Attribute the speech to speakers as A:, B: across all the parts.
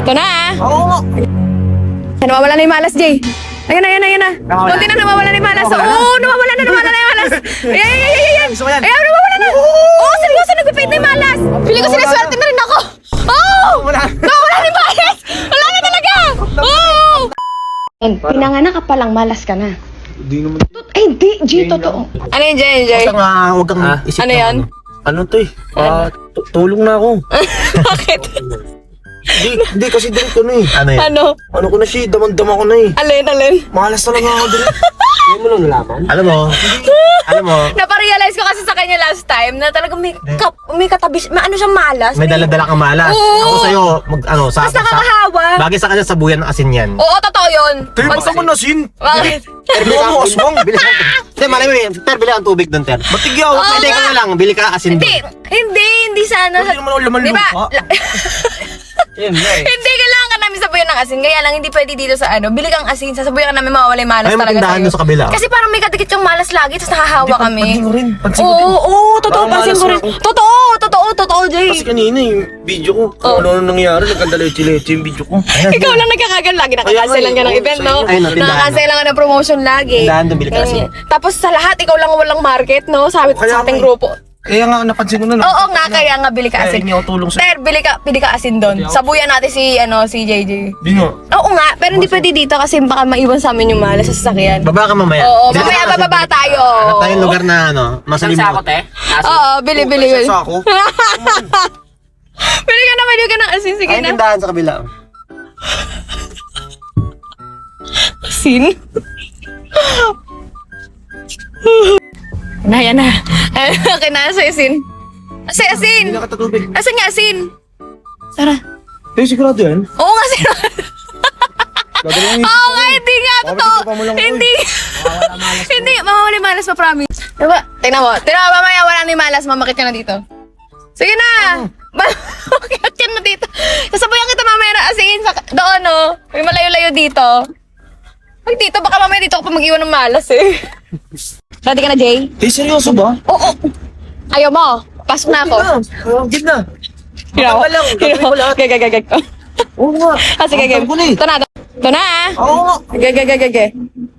A: Ito na ah.
B: Oo.
A: Nawawala na yung malas, Jay. Ayun na. Kunti na nawawala na yung malas. Oo, nawawala na yung malas. Ayan.
B: Gusto ko yan.
A: Ayan, nawawala na. Oo, seryoso, nagpipid na yung malas. Pili ko siniswerte na rin ako. Oo! Nawawala na yung malas. Wala na talaga. Oo! Pinanganak ka palang malas ka na.
B: Hindi naman.
A: Ay, di, G, totoo. Ano yun, Jay?
B: Huwag kang isip
A: Ano
B: na
A: yan?
B: Ano to eh? Tulong na ako.
A: Bakit?
B: Hindi kasi direct ko na eh. Ano yan?
A: Ano?
B: Ko na siya, damang-dama ko na eh.
A: Alin?
B: Malas talaga ako direct. Hindi mo lang nalaman? Alam mo,
A: Naparealize ko kasi sa kanya last time na talagang may katabi, ano siyang malas.
B: may dala-dala kang malas.
A: Oo.
B: Ako sa'yo,
A: Mas nakakahawa.
B: bagay sa kanya sabuyan ng asin yan.
A: Oo, totoo yun.
B: nasin?
A: Bakit?
B: Bili ka mo, aswang. Bili ka. Hindi, malay mo yun. Ter, bili ka ng tubig doon, Ter. Matigyaw.
A: Oo
B: Pwede ka
A: nga.
B: na lang. Bili ka asin doon.
A: Hindi sana.
B: Hindi naman ako laman
A: Di ba?
B: lupa. Yan na eh.
A: Hindi, kailangan ka namin sabuyan ng asin. Kaya lang, hindi pwede dito sa ano. Bili kang asin, sasabuyan ka namin mawawala yung malas
B: Ay,
A: talaga
B: matindahan
A: sa'yo.
B: doon sa kabila.
A: Kasi parang may kadikit kang malas lagi, tapos nahahawa kami.
B: Pansin ko rin. Pansin ko din.
A: Oo, totoo,
B: Parang
A: pansin ko
B: malas
A: rin.
B: ako.
A: Totoo, Jay.
B: Kasi kanina yung video ko, kung ano nangyari, nagkandaleche-leche yung video ko.
A: Ikaw lang nagkakagan lagi, nakakancel lang ka ng
B: Oo,
A: event,
B: sa'yo.
A: no?
B: Ayun, no, tindahan,
A: Nakakancel lang ka ng promotion lagi.
B: Tindahan doon, bili ka asin.
A: Tapos sa lahat, ikaw lang walang market, no? Sabi
B: Kaya
A: sa ating
B: nga eh.
A: grupo.
B: Kaya nga, napansin ko na lang.
A: Oo nga, kaya nga bili ka
B: Kaya
A: asin.
B: hindi ako tulong sa'yo.
A: Ter, bili ka asin doon. Sabuyan natin si JJ.
B: Di nga.
A: Oo nga, pero hindi pwede dito kasi baka maiwan sa amin yung malas sa sasakyan.
B: Baba ka mamaya.
A: Oo,
B: Bili ka
A: mamaya
B: ng asin.
A: bababa tayo.
B: Hanap tayong lugar na masalimuot.
A: Oo, bili.
B: Sa ako.
A: Bili ka na ng asin, sige
B: Ay,
A: na.
B: tindahan sa kabila.
A: Asin? Yan na. Okay na, sa asin. Asin!
B: Hindi na katatubig.
A: Asan nga asin? Tara.
B: Eh, sigurado yan.
A: Oo nga, asin.
B: Gagawin
A: Oo nga, hindi nga,
B: Bakit
A: totoo.
B: ito pa mo lang, uy?
A: Hindi. Hindi, mawawala yung malas, ma-promise. Diba? Tingnan mo, mamaya wala na yung malas, mamakit ka na dito. Sige na! Mamakit ka na dito. Sasabayan kita mamaya na asin doon, no? May malayo-layo dito. Ay, dito, baka mamaya dito ako pa mag-iwan ng malas, eh. Ready ka na, Jay?
B: Eh, seryoso ba?
A: Oo. Ayaw mo. Pasok na ako.
B: Gid na.
A: Hiraw.
B: Baka lang, gagawin ko lahat.
A: Gagagagag.
B: Oo nga.
A: Sige, game.
B: Ang tangko na eh.
A: Ito na, ah.
B: Oo nga.
A: Gagagagag.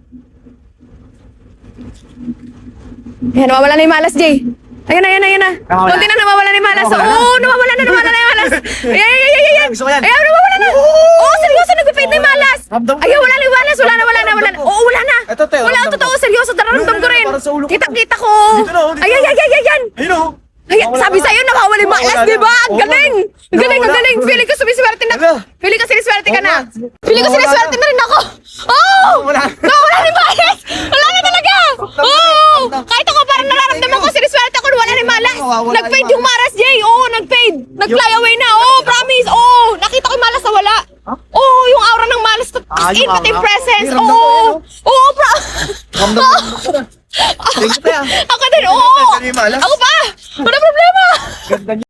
A: Ayan, nawawala na yung malas, Jay. Ayun na.
B: Nawawala.
A: Kunti na nawawala na yung malas. Oo, nawawala na yung malas. Ayan.
B: Gusto ko yan.
A: Ayan, nawawala na. Oo, seryoso, nagpipid na yung malas.
B: Ramdam ko.
A: Ayun, wala na yung malas. Wala na. Oo, wala na.
B: Ito, te,
A: Wala,
B: ramdam
A: totoo,
B: ko.
A: seryoso. Nararamdam ko rin.
B: Parang sa ulo ko.
A: Kita ko.
B: Dito na, dito.
A: Ayan.
B: Ayun o.
A: Ay, sabi sa'yo, nawawala yung malas,
B: Nawawala
A: di ba?
B: na.
A: Ang
B: Oo,
A: galing! Ang galing!
B: nawawala.
A: Feeling ko sumiswerte na.
B: Ala.
A: Feeling ko siniswerte ka
B: Oo
A: na.
B: nga.
A: Feeling ko
B: Nawawala
A: siniswerte
B: na.
A: na rin ako. Oh!
B: Nawawala.
A: Nawawala na yung malas! Wala na talaga! Oh! Kahit ako parang nararamdaman ko siniswerte ako, wala na yung malas.
B: Nawawala
A: Nag-fade
B: yung
A: yung malas, Jay. Oo, nag-fade. Nag-fly away na. Oo, promise. Oo, nakita ko yung malas na wala. Oo, yung aura ng malas. As in,
B: yung
A: pati yung
B: aura.
A: presence.
B: Ramdam ko
A: Oo.
B: yun,
A: Oo,
B: Ramdam ko na. Thank you, te, ah.
A: Ako din, oo.
B: Ganda yung malas.
A: Ako pa. Wala problema.
B: Ganda niya.